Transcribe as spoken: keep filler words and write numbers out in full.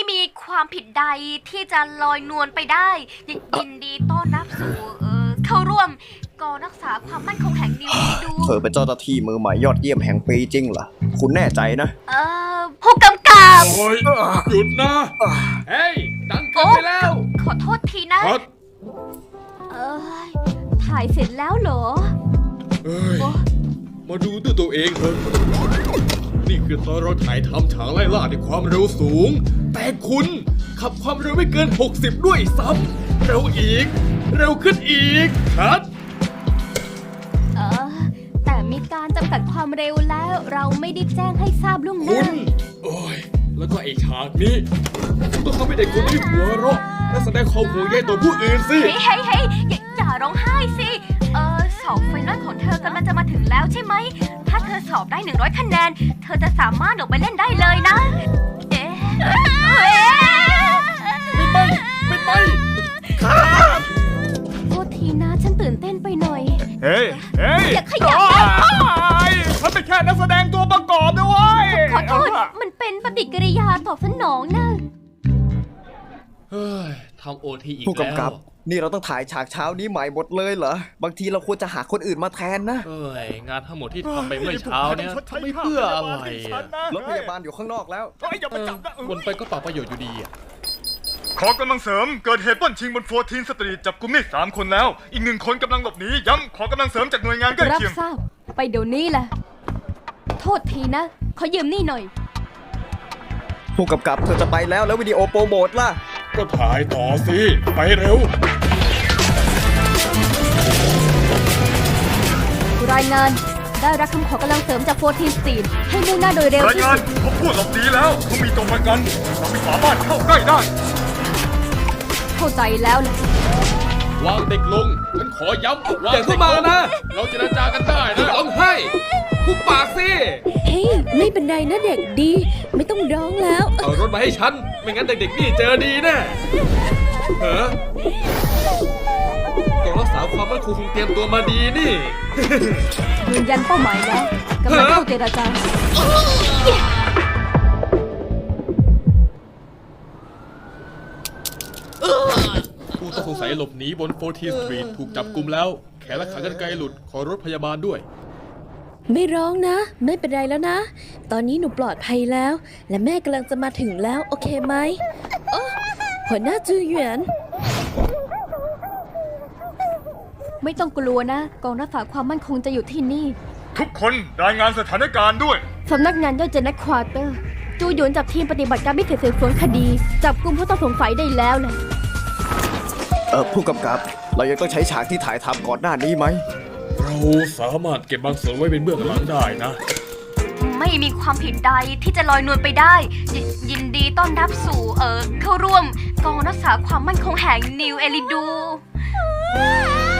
มีความผิดใดที่จะลอยนวลไปได้ยยินดีต้อนรับสู่เอ่อเข้าร่วมกองรักษาความมั่นคงแห่งนิวซีดูเธอเป็นเจ้าหน้าที่มือใหม่ยอดเยี่ยมแห่งปีจริงเหรอคุณแน่ใจนะเอ่อผู้กำกับโอ้ยหยุดนะเฮ้ยดังเกินไปแล้วขอโทษทีนะเอ้ยถ่ายเสร็จแล้วเหรอเอ้ยมาดูด้วยตัวเองเถอะนี่คือตอนเราถ่ายทำฉากไล่ล่าในความเร็วสูงแต่คุณขับความเร็วไม่เกินหกสิบด้วยซ้ำเร็วอีกเร็วขึ้นอีกครับเออแต่มีการจำกัดความเร็วแล้วเราไม่ได้แจ้งให้ทราบล่วงหน้าคุณโอ้ยแล้วก็ไอ้ฉากนี้คุณต้องทำให้เด็กคนนี้หัวเราะและแสดงความห่วงใยต่อผู้อื่นสิเฮ้ยเฮ้ยเฮ้ยอย่าอย่าร้องไห้สิเออสอบไฟนอลของเธอกำลังจะมาถึงแล้วใช่ไหมถ้าเธอสอบได้หนึ่งร้อยคะแนนเธอจะสามารถออกไปเล่นได้เลยนะเอ๊ะไม่ไปไม่ไปโทษทีนะฉันตื่นเต้นไปหน่อยเฮ้ยเฮ้ยอย่าขยับฉันเป็นแค่นักแสดงตัวประกอบด้วยขอโทษมันเป็นปฏิกิริยาตอบสนองนะเฮ้ยทำโอทีอีกแล้วผู้กำกับนี่เราต้องถ่ายฉากเช้านี้ใหม่หมดเลยเหรอบางทีเราควรจะหาคนอื่นมาแทนนะเอ้ยงานทั้งหมดที่ทำไปเมื่อเช้าเนี่ยไม่เพื่ออะไรรถพยาบาลอยู่ข้างนอกแล้ววนไปก็เปล่าประโยชน์อยู่ดีอ่ะขอกำลังเสริมเกิดเหตุปล้นชิงบนโฟร์ทีนสตรีทจับกุมได้สามคนแล้วอีกหนึ่งคนกำลังหลบหนีย้ำขอกำลังเสริมจากหน่วยงานใกล้เคียงรับทราบไปเดี๋ยวนี้แหละโทษทีนะขอยืมนี่หน่อยผู้กำกับเธอจะไปแล้วแล้ววิดีโอโปรโมทล่ะก็ถ่ายต่อสิไปเร็วรายงานได้รับคำขอกำลังเสริมจากโฟร์ทีนสตรีทให้มุ่งหน้าโดยเร็วรายงานเขาพูดหลบหนีแล้วเขามีตัวประกันเราไม่สามารถเข้าใกล้ได้เข้าใจแล้วแหละวางเด็กลงฉันขอย้ำวางเด็กลงนะเราเจรจากันได้นะร้องไห้คุบปากสิเฮ้ยไม่เป็นไรนะเด็กดีไม่ต้องร้องแล้วเอารถมาให้ฉันไม่งั้นเด็กๆนี่เจอดีแน่เฮ้อกองรักษาความมั่นคงคงเตรียมตัวมาดีนี่ยืนยันเป้าหมายแล้วกำลังเข้าเจรจาผู้ต้องสงสัยหลบหนีบนโฟร์ทีนสตรีทถูกจับกุมแล้วแขนและขากรรไกรหลุดขอรถพยาบาลด้วยไม่ร้องนะไม่เป็นไรแล้วนะตอนนี้หนูปลอดภัยแล้วและแม่กำลังจะมาถึงแล้วโอเคไหมโอ้หัวหน้าจือหยวนไม่ต้องกลัวนะกองรักษาความมั่นคงจะอยู่ที่นี่ทุกคนรายงานสถานการณ์ด้วยสำนักงานย่อยเจนนัทควอเตอร์จูหยวนจับทีมปฏิบัติการพิเศษสืบสวนคดีจับกุมผู้ต้องสงสัยได้แล้วแหละเออผู้กำกับเรายังต้องใช้ฉากที่ถ่ายทำก่อนหน้านี้ไหมเราสามารถเก็บบางส่วนไว้เป็นเบื้องหลังได้นะไม่มีความผิดใดที่จะลอยนวลไปได้ยยินดีต้อนรับสู่เอ่อเข้าร่วมกองรักษาความมั่นคงแห่งนิวเอลิดู